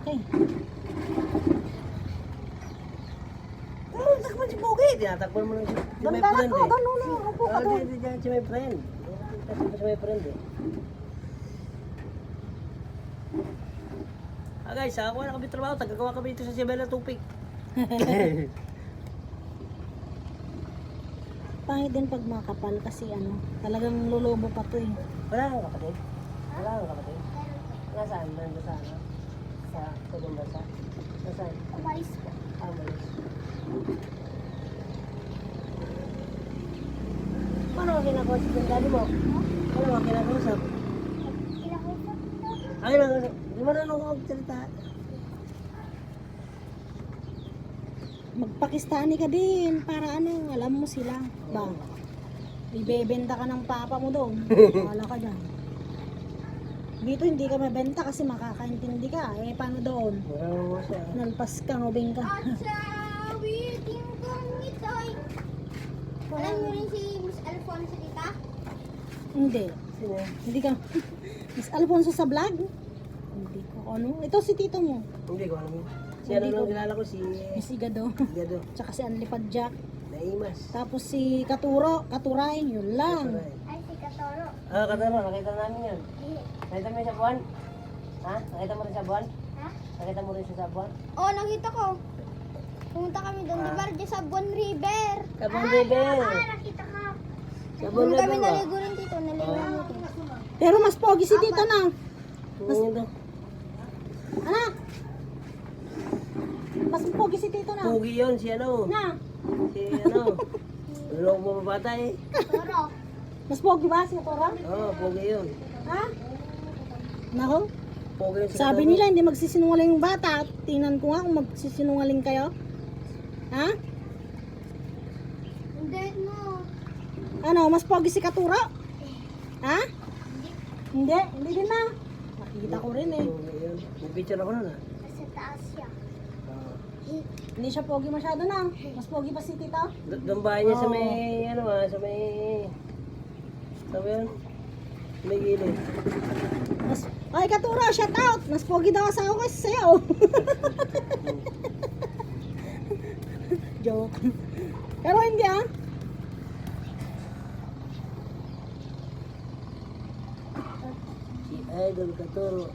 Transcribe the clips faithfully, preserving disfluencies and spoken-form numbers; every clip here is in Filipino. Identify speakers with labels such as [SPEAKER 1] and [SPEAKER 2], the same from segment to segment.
[SPEAKER 1] Okay.
[SPEAKER 2] Oh, takpan si Pogi. Tinatakpan mo lang si si
[SPEAKER 1] Doon
[SPEAKER 2] my
[SPEAKER 1] ka na
[SPEAKER 2] friend
[SPEAKER 1] to.
[SPEAKER 2] eh.
[SPEAKER 1] Doon, no, no. Upo ka
[SPEAKER 2] Ah,
[SPEAKER 1] doon.
[SPEAKER 2] di, di, di, si my friend. Takpan mo si my friend eh. Ah guys, ako na kami trabaho. Tagagawa kami dito sa Sibela Tupig.
[SPEAKER 1] Pangit din pag makapal kasi ano, talagang lulubo pa to eh.
[SPEAKER 2] Wala kang kapatid? Wala kang kapatid? Nasaan? Nandun sa ano? Sa Tugong Bansa? Nasaan?
[SPEAKER 3] Umalis po.
[SPEAKER 2] Ah, malis. Paano ka kinakausap yung daddy mo? Paano ka kinakausap?
[SPEAKER 3] Kinakausap ko.
[SPEAKER 2] Ay, kinakausap. Di mo na ako magsalita.
[SPEAKER 1] Magpakistani ka din para ano, alam mo sila. Ba? Ibebenta ka ng papa mo doon. Wala ka dyan. Dito hindi ka mabenta kasi makakaintindi ka. Eh, paano doon?
[SPEAKER 2] Wala mo siya.
[SPEAKER 1] Nalpas ka, ngobing ka.
[SPEAKER 3] At sa waiting kong ito'y. Alam mo rin si Miss Alfonso dita?
[SPEAKER 1] Hindi.
[SPEAKER 2] Sino?
[SPEAKER 1] Hindi ka. Miss Alfonso sa vlog? Hindi ko ano. Ito si tito mo.
[SPEAKER 2] Hindi ko alam yun. Si ano
[SPEAKER 1] Hindi
[SPEAKER 2] nung
[SPEAKER 1] ko-
[SPEAKER 2] kilala ko, si
[SPEAKER 1] Miss Igado.
[SPEAKER 2] Gado.
[SPEAKER 1] Tsaka si Anlipad Jack.
[SPEAKER 2] Naimas.
[SPEAKER 1] Tapos si Katuro. Katuray. Yun lang.
[SPEAKER 3] Ay, si Katoro.
[SPEAKER 2] Ah, kataro, nakita namin yun.
[SPEAKER 3] Eh,
[SPEAKER 2] Nakita mo yun sa buwan? Ha? Nakita mo rin sa buwan?
[SPEAKER 3] Ha?
[SPEAKER 2] Nakita mo rin siya sa buwan?
[SPEAKER 3] Oo, nakita ko. Pumunta kami doon, di ba? Diyan sa Buon River.
[SPEAKER 2] Sa Buon River.
[SPEAKER 3] Ah, nakita ko.
[SPEAKER 2] Sa buwan
[SPEAKER 3] Doon
[SPEAKER 2] na
[SPEAKER 3] kami
[SPEAKER 2] ba?
[SPEAKER 3] naligo rin dito, naligo rin dito.
[SPEAKER 1] Pero mas pogi si tito na.
[SPEAKER 2] Mas... Ito.
[SPEAKER 1] Anak! Mas pogi si tito na.
[SPEAKER 2] Pugi yun, si ano?
[SPEAKER 1] Na!
[SPEAKER 2] Si ano? Lulong mo mabata eh.
[SPEAKER 3] Toro.
[SPEAKER 1] Mas pogi ba si Katuro?
[SPEAKER 2] Oo, oh, pugi yun.
[SPEAKER 1] Ha? Nako.
[SPEAKER 2] Pugi yun si
[SPEAKER 1] Sabi
[SPEAKER 2] Kataro.
[SPEAKER 1] nila hindi magsisinungaling yung bata. Tingnan ko nga kung magsisinungaling kayo. Ha?
[SPEAKER 3] Hindi mo.
[SPEAKER 1] Ano, mas pogi si Katuro? Ha? Hindi, hindi din na. Nakita ko rin eh.
[SPEAKER 2] Pugi yun. May picture ako nun ah.
[SPEAKER 3] Nasa taas siya.
[SPEAKER 2] Oo.
[SPEAKER 1] Hindi siya pogi masyado na. Mas pogi pa si tito.
[SPEAKER 2] D- Doon bahay niya sa
[SPEAKER 1] Oo.
[SPEAKER 2] may, ano ah, sa may... Sabi yun? Sa may gilid.
[SPEAKER 1] Mas, ay Katuro, shout out! Mas pogi daw sa ako kasi sa'yo. Joke. Pero hindi ah.
[SPEAKER 2] Si Idol Katuro.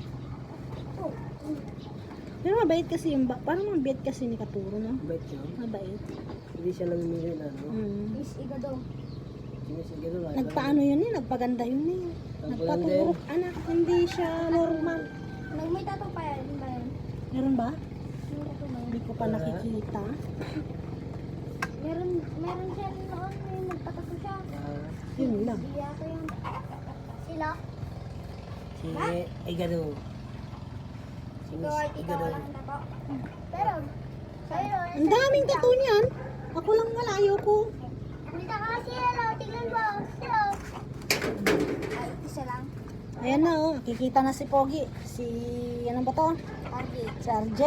[SPEAKER 1] Pero mabait kasi yung, ba- parang mabait kasi ni Katuro, no?
[SPEAKER 2] Bait yun.
[SPEAKER 1] Mabait.
[SPEAKER 2] Hindi siya namimili na ano.
[SPEAKER 1] Mm.
[SPEAKER 3] Miss Igado.
[SPEAKER 2] Sige, sige doon.
[SPEAKER 1] Nagpaano yun eh, nagpaganda yun eh.
[SPEAKER 2] Nagpaganda
[SPEAKER 1] Nagpaturok, anak, hindi siya normal.
[SPEAKER 3] Nagmay tato pa yan, ba yan?
[SPEAKER 1] Meron ba?
[SPEAKER 3] May tato ba yan?
[SPEAKER 1] Hindi ko pa nakikita.
[SPEAKER 3] Meron, meron siya noon, may nagpatato siya.
[SPEAKER 2] Ah,
[SPEAKER 1] Yun lang.
[SPEAKER 3] Iya ko yun. Sila?
[SPEAKER 2] si Igado. Si
[SPEAKER 3] Ikaw
[SPEAKER 2] Miss
[SPEAKER 3] ay ikaw
[SPEAKER 2] Igado.
[SPEAKER 3] walang tato. Pero, sa'yo,
[SPEAKER 1] Ang daming tattoo niyan. Ako lang wala, ayoko.
[SPEAKER 3] Dito ka kasi, hello, tingnan mo. Hello. Ay, isa lang.
[SPEAKER 1] Ayan na oh, nakikita na si Pogi. Si, ano ba to?
[SPEAKER 3] Okay.
[SPEAKER 1] Si R J.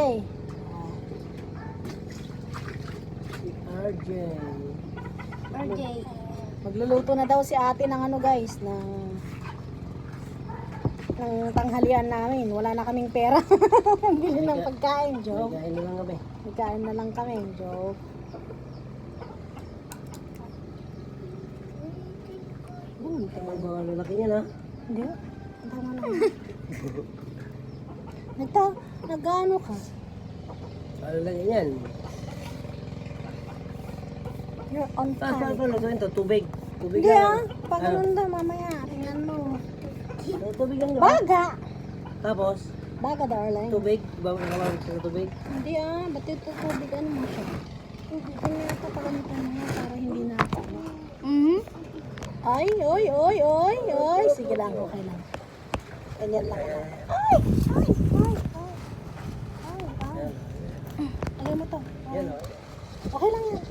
[SPEAKER 2] Si R J.
[SPEAKER 3] R J.
[SPEAKER 1] Magluluto na daw si ate ng ano guys, ng ng tanghalian namin. Wala na kaming pera. Bili ng pagkain, joke.
[SPEAKER 2] Nagkain na lang kami.
[SPEAKER 1] Pagkain na lang kami, joke. Hmm,
[SPEAKER 2] Ang mga lalaki niya na.
[SPEAKER 1] hindi. Tama na. Nagta, nag-ano ka?
[SPEAKER 2] Ano lang yan?
[SPEAKER 1] You're on
[SPEAKER 2] Tapos paano
[SPEAKER 1] fire.
[SPEAKER 2] pa lutuin to? Tubig. Tubig
[SPEAKER 1] Hindi
[SPEAKER 2] lang.
[SPEAKER 1] ah, pag
[SPEAKER 2] Ano?
[SPEAKER 1] ganun daw mamaya, tingnan mo.
[SPEAKER 2] Ano, tubig lang diba?
[SPEAKER 1] Baga!
[SPEAKER 2] Tapos,
[SPEAKER 1] Baga darling.
[SPEAKER 2] tubig. Bawa na kamawag sa tubig.
[SPEAKER 1] Hindi ah, ba't ito tubig ano mo siya? Tubig ko na ito pagamitan mo nga para hindi na ako.
[SPEAKER 3] Mm-hmm.
[SPEAKER 1] Ay, oy, oy, oy, oy. Sige lang, okay lang. Ganyan lang. Ay, ay, ay, ay. Ay, ay. Lagay mo to. Ay.
[SPEAKER 2] Yan o.
[SPEAKER 1] Okay lang yan.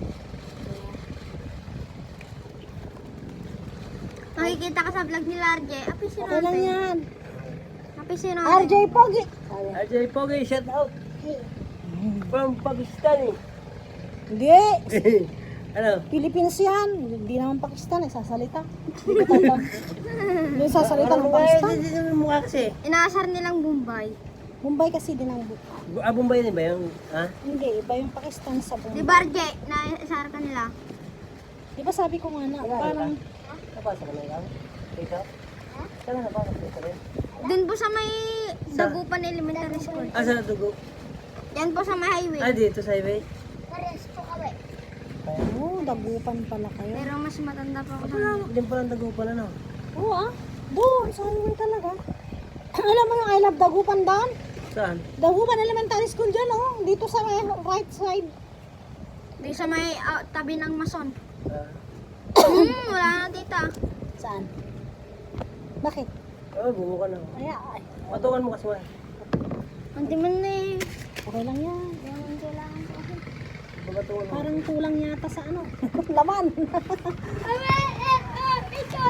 [SPEAKER 3] Makikita ka sa vlog ni R J. Api si
[SPEAKER 1] Okay lang yan.
[SPEAKER 3] Api si
[SPEAKER 1] R J Pogi. Sabi.
[SPEAKER 2] R J Pogi, shout out. From Pakistan eh.
[SPEAKER 1] Hindi.
[SPEAKER 2] Ano?
[SPEAKER 1] Philippines yan. Hindi naman Pakistan eh. Sasalita. Hindi ko tanda. Hindi sasalita ng
[SPEAKER 2] Parang mukha
[SPEAKER 1] Pakistan.
[SPEAKER 2] eh, hindi naman mukha kasi.
[SPEAKER 3] Inaasar nilang Mumbai.
[SPEAKER 1] Mumbai kasi din ang bu-
[SPEAKER 2] Bu- Ah, Bombay din ba yung, ha?
[SPEAKER 1] Hindi, iba yung Pakistan sa
[SPEAKER 3] Di
[SPEAKER 1] Bombay.
[SPEAKER 3] ba, R J, na isara ka nila?
[SPEAKER 1] Di ba sabi ko nga na,
[SPEAKER 2] Wala,
[SPEAKER 1] parang,
[SPEAKER 2] Napasok ka na ikaw? Dito? Saan ka napasok dito rin?
[SPEAKER 3] Dun po sa may Dagupan Elementary School.
[SPEAKER 2] Ah, sa dugo.
[SPEAKER 3] Yan po sa may highway.
[SPEAKER 2] Ah, dito sa highway?
[SPEAKER 3] Pares po kami.
[SPEAKER 2] Kaya,
[SPEAKER 1] oh, dagupan pala kayo.
[SPEAKER 3] Pero mas matanda pa ako.
[SPEAKER 2] wala, din pala ang dugo pala, no?
[SPEAKER 1] Oo ah, doon, sa highway talaga. Alam mo yung I love dagupan doon?
[SPEAKER 2] Saan?
[SPEAKER 1] Dagupan Elementary School dyan oh, dito sa may right side.
[SPEAKER 3] Di sa may ah, tabi ng mason.
[SPEAKER 2] Ah.
[SPEAKER 3] Hmm, wala na dito.
[SPEAKER 1] Saan? Bakit?
[SPEAKER 2] Oh, bungo ka na.
[SPEAKER 1] Ay, ay,
[SPEAKER 2] Patukan mo kasi man.
[SPEAKER 3] Hindi man na eh.
[SPEAKER 1] okay lang yan.
[SPEAKER 3] Yan ang kailangan ko.
[SPEAKER 2] Patukan mo.
[SPEAKER 1] Parang kulang yata sa ano, laman.
[SPEAKER 3] Ay, eh, eh, ikaw.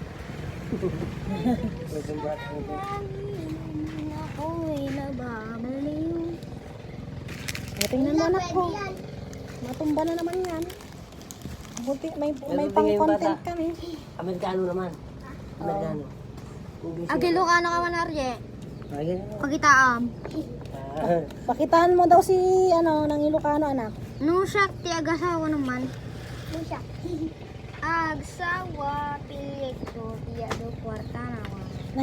[SPEAKER 2] Medyo bata mo dito.
[SPEAKER 3] Ako'y nababaliw.
[SPEAKER 1] O, tingnan mo anak ko. Matumba na naman yan. Buti, may, may
[SPEAKER 2] Meron din
[SPEAKER 1] pang
[SPEAKER 2] ngayong
[SPEAKER 1] content
[SPEAKER 2] bata.
[SPEAKER 1] kami.
[SPEAKER 2] Amerikano naman. Amerikano. English.
[SPEAKER 3] Agilo ka na ka man, R J.
[SPEAKER 2] Ah, ganyan mo.
[SPEAKER 3] Pagkitaam.
[SPEAKER 2] Ah.
[SPEAKER 1] Pakitaan mo daw si, ano, ng Ilocano anak.
[SPEAKER 3] No siya, ti agasawa naman. No siya. Agsawa, pilit ko, tiyado, kwarta naman.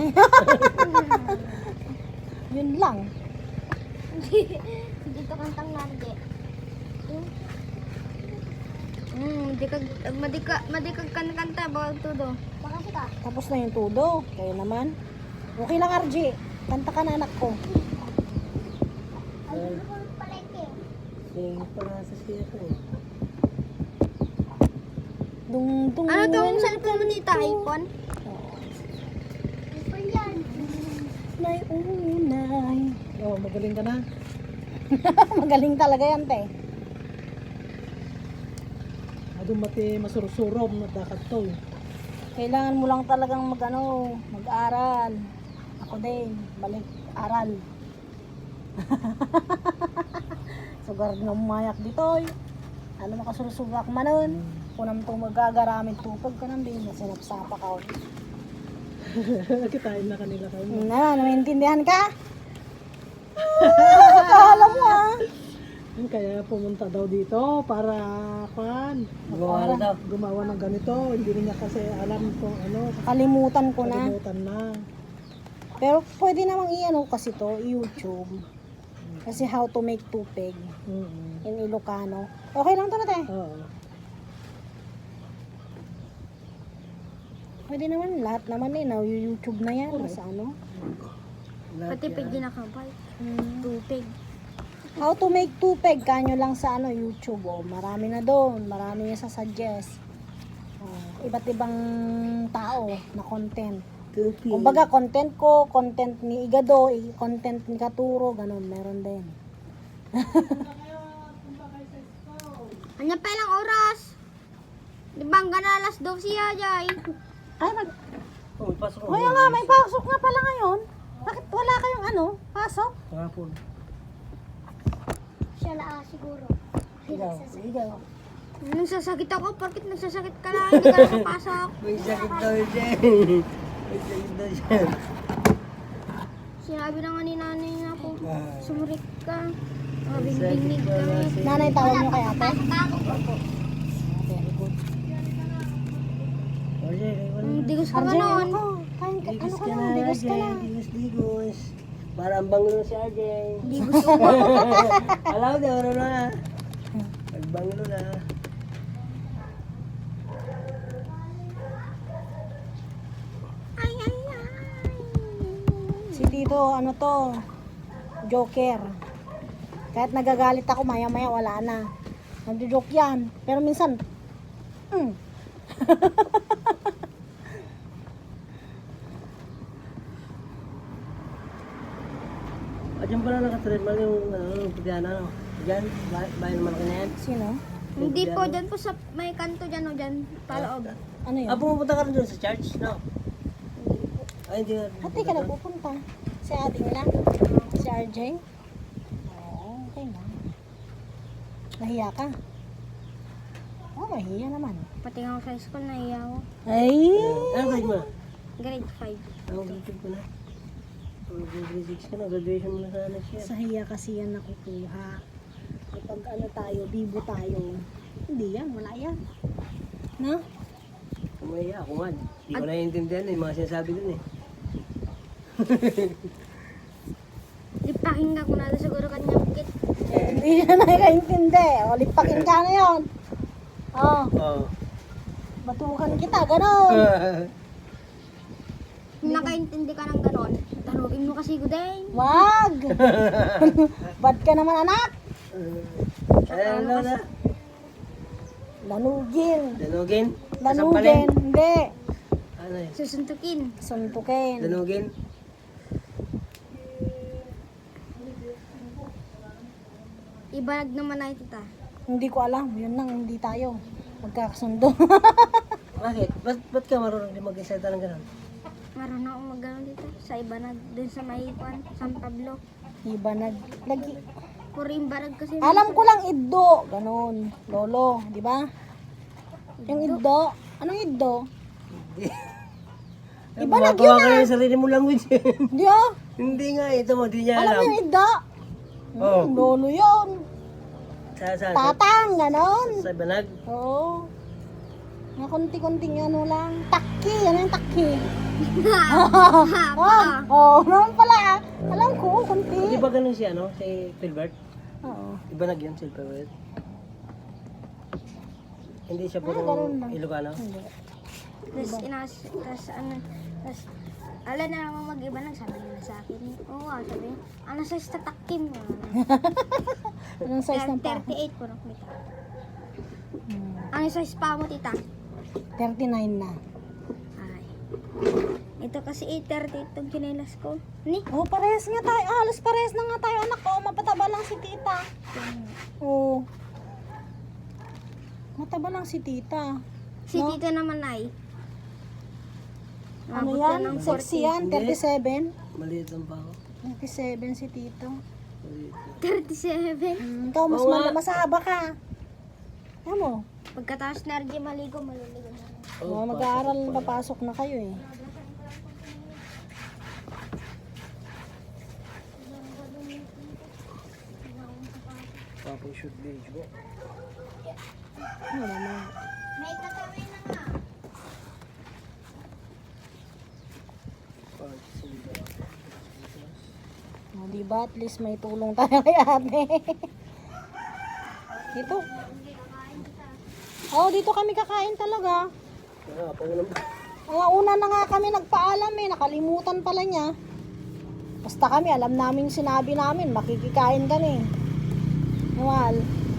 [SPEAKER 1] Yun lang.
[SPEAKER 3] Dito kantang narde. Hmm, di kag madika madikag kan kanta bawag tudo. Makasi ka.
[SPEAKER 1] Tapos na yung tudo. Kayo naman. Okay lang, R J. Kanta ka na anak ko.
[SPEAKER 3] Ano ko palengke?
[SPEAKER 2] Sing para sa siya ko eh.
[SPEAKER 1] Dung, dung.
[SPEAKER 3] Ano tong cellphone mo dito, iPhone? iPhone yan.
[SPEAKER 1] Nay, unay. Oh, magaling ka na. Magaling talaga yan, te.
[SPEAKER 4] Adong mati masurusurom na dakat to.
[SPEAKER 1] Kailangan mo lang talagang mag, ano, mag-aral. Ako din, balik aral. Sugar na umayak dito. Ano makasurusugak manon. Kunam to magagaramit tupag ka nang din. Sinapsapa ka.
[SPEAKER 4] Kitain na kanila kayo.
[SPEAKER 1] Na, naiintindihan ka? Akala mo ah.
[SPEAKER 4] Kaya pumunta daw dito para kan
[SPEAKER 2] Gumawa na daw.
[SPEAKER 4] gumawa ng ganito. Hindi niya kasi alam kung ano.
[SPEAKER 1] Kalimutan ko na.
[SPEAKER 4] Kalimutan na.
[SPEAKER 1] Pero pwede namang i-ano kasi to, YouTube. Kasi how to make tupig
[SPEAKER 4] Mm-mm.
[SPEAKER 1] in Ilocano. Okay lang to na te.
[SPEAKER 4] Oo.
[SPEAKER 1] Pwede naman, lahat naman eh, na YouTube na yan. Sa ano?
[SPEAKER 3] Pati pig ginakabay.
[SPEAKER 1] Hmm.
[SPEAKER 3] Tupig.
[SPEAKER 1] How to make tupig, kanyo lang sa ano, YouTube. Oh. Marami na doon, marami niya sa suggest. Oh, iba't ibang tao na content.
[SPEAKER 2] Tupi.
[SPEAKER 1] Kumbaga, content ko, content ni Igado, i- content ni Katuro, ganun, meron din.
[SPEAKER 3] Anya pa ilang oras? Di ba ang gana alas twelve siya, Jay?
[SPEAKER 1] Ay, mag...
[SPEAKER 2] Oh, may pasok ko.
[SPEAKER 1] Kaya nga, may pasok nga pala ngayon. Bakit wala kayong ano, pasok?
[SPEAKER 2] Kahapon.
[SPEAKER 3] Siya na siguro.
[SPEAKER 2] Ikaw, ikaw.
[SPEAKER 3] Nagsasakit ako, porkit nagsasakit ka lang, hindi ka nakapasok.
[SPEAKER 2] May sakit daw siya. May sakit daw siya.
[SPEAKER 3] Sinabi na nga ni nanay na po,
[SPEAKER 2] Ah.
[SPEAKER 3] sumurik ka.
[SPEAKER 2] May
[SPEAKER 3] Mabing-bingnig
[SPEAKER 2] sakit
[SPEAKER 3] ka.
[SPEAKER 2] pala siya.
[SPEAKER 1] Nanay, tawag mo kay ate? Very good.
[SPEAKER 2] Oh, siya, wala.
[SPEAKER 3] Mm, digos ka
[SPEAKER 1] R
[SPEAKER 3] nga
[SPEAKER 1] J,
[SPEAKER 3] noon.
[SPEAKER 1] ano ka? Kain ka, ano
[SPEAKER 2] Digos
[SPEAKER 1] ka
[SPEAKER 2] ka
[SPEAKER 1] na,
[SPEAKER 2] na,
[SPEAKER 1] digos ka na.
[SPEAKER 2] Digos, digos. Para ang banglo si R J.
[SPEAKER 3] Digos ko ba?
[SPEAKER 2] Alaw na, ano na. Nagbanglo na.
[SPEAKER 3] Ay, ay, ay.
[SPEAKER 1] Si Tito, ano to, joker. Kahit nagagalit ako, maya-maya wala na. Nagjo-joke yan. Pero minsan, mm.
[SPEAKER 2] Ah, dyan pala nakatreadmill yung ano, yung Pidiana, no? Dyan, ba- bayan naman ka na yan.
[SPEAKER 1] Sino?
[SPEAKER 3] Hindi po, dyan po sa may kanto dyan o dyan, paloob.
[SPEAKER 1] Ano yun?
[SPEAKER 2] Ah, pumupunta ka rin doon sa church, no? Ay, hindi ka.
[SPEAKER 1] Ate ka nagpupunta. Si ating lang. Si R J. Oo, okay lang. Nahiya ka? Oo, oh, mahiya naman.
[SPEAKER 3] Pati nga ako sa school, naiya ako.
[SPEAKER 1] Ay!
[SPEAKER 2] Ano grade mo?
[SPEAKER 3] Grade five.
[SPEAKER 2] Ano grade ko na? grade six ka na, graduation mo na sana next year.
[SPEAKER 1] Sa hiya kasi yan nakukuha. Kapag ano tayo, bibo tayo, hindi yan, wala yan. No?
[SPEAKER 2] Kumaya ako nga. Hindi ko naiintindihan eh, yung mga sinasabi dun eh.
[SPEAKER 3] Lipaking ka kung natin siguro kanya bukit.
[SPEAKER 1] Hindi siya nakakaintindi. O, lipakin ka na yun. Oh,
[SPEAKER 2] Oo.
[SPEAKER 1] batukan kita, ganon.
[SPEAKER 3] Kung nakaintindi ka ng ganon, tanugin mo kasi ko din.
[SPEAKER 1] Wag! Bad ka naman, anak.
[SPEAKER 2] Ano na?
[SPEAKER 1] Lanugin.
[SPEAKER 2] Danugin?
[SPEAKER 1] Lanugin. Hindi.
[SPEAKER 2] Ano eh?
[SPEAKER 3] Susuntukin.
[SPEAKER 1] Suntukin.
[SPEAKER 2] Danugin?
[SPEAKER 3] Ibalag naman na tita.
[SPEAKER 1] Hindi ko alam. Yun lang, hindi tayo. Magkakasundo.
[SPEAKER 2] Bakit? Ba't, ba't ka marunong din mag-isayta ng gano'n?
[SPEAKER 3] Marunong akong mag dito. Sa iba na dun sa may kwan, San Pablo.
[SPEAKER 1] Iba nag... Lagi.
[SPEAKER 3] Puro imbarag kasi.
[SPEAKER 1] Alam ko lang iddo. Ganon. Lolo. Di ba? Yung iddo. Anong iddo? Iba nag yun
[SPEAKER 2] Gumagawa ka na yung sarili mo language eh.
[SPEAKER 1] Hindi ah.
[SPEAKER 2] Hindi nga, ito mo, di niya
[SPEAKER 1] Alam
[SPEAKER 2] alam.
[SPEAKER 1] mo yung iddo?
[SPEAKER 2] Oo.
[SPEAKER 1] Hmm, lolo yun.
[SPEAKER 2] Sa, sa, sa,
[SPEAKER 1] Tatang. Ganon.
[SPEAKER 2] sa banag.
[SPEAKER 1] Oo. Nga konti-konting ano lang. Takki. Ano yung takki?
[SPEAKER 3] Haba.
[SPEAKER 1] Oo. Oh, naman pala. ah. Alam ko,
[SPEAKER 2] Di
[SPEAKER 1] konti.
[SPEAKER 2] ba ganun si ano, si Philbert?
[SPEAKER 1] Oo.
[SPEAKER 2] Di ba nag yun, si Philbert? Hindi siya puro
[SPEAKER 1] ganun lang.
[SPEAKER 2] Ilocano?
[SPEAKER 1] Hindi.
[SPEAKER 3] Tapos inas, tapos ano, tapos ala na naman mag-iba lang, sabi nila sa akin. Oo ah, sabi niya, ano size tatakim mo?
[SPEAKER 1] Anong size ng pa?
[SPEAKER 3] thirty-eight po nung kita.
[SPEAKER 1] Hmm.
[SPEAKER 3] Ano size pa mo tita?
[SPEAKER 1] thirty-nine na.
[SPEAKER 3] Ay. Ito kasi eight thirty itong chinelas ko. Ni?
[SPEAKER 1] Oh, parehas nga tayo. Ah, halos parehas na nga tayo, anak ko. Mapataba lang si tita. Oo. Mataba lang si tita.
[SPEAKER 3] Si
[SPEAKER 1] No?
[SPEAKER 3] tita naman ay.
[SPEAKER 1] Ano
[SPEAKER 3] Umabot
[SPEAKER 1] yan?
[SPEAKER 3] na ng
[SPEAKER 1] Sexy
[SPEAKER 3] forty.
[SPEAKER 1] yan? thirty-seven?
[SPEAKER 2] Maliit lang pa ako.
[SPEAKER 1] thirty-seven si tito.
[SPEAKER 2] Maliit lang.
[SPEAKER 3] thirty-seven.
[SPEAKER 1] Mm, ikaw mas
[SPEAKER 2] Oo
[SPEAKER 1] mal-
[SPEAKER 2] nga.
[SPEAKER 1] masahaba ka. Ano mo?
[SPEAKER 3] Pagkatapos na rin maligo, maliligo na.
[SPEAKER 1] Oh, mag-aaral, papasok na kayo eh.
[SPEAKER 2] Papa shoot page mo.
[SPEAKER 1] Ano naman?
[SPEAKER 3] May tatawin na nga.
[SPEAKER 1] Oh, diba? At least may tulong tayo kay ate. Dito. Oh, dito kami kakain talaga.
[SPEAKER 2] Ah, pangulam ba?
[SPEAKER 1] Mga una na nga kami nagpaalam eh. Nakalimutan pala niya. Basta kami, alam namin sinabi namin. Makikikain kami. Nawal.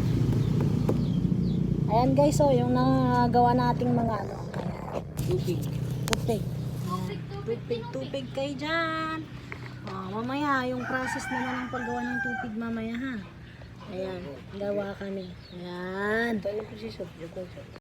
[SPEAKER 1] Ayan guys, oh, yung nagawa nating mga ano. Ayan.
[SPEAKER 2] Tubig.
[SPEAKER 1] Tupig. Tupig, tupig kayo dyan. Oh, mamaya, yung process naman ng paggawa ng tupig mamaya ha. Ayan, gawa kami. Ayan.
[SPEAKER 2] Tayo ng position. Joke lang siya.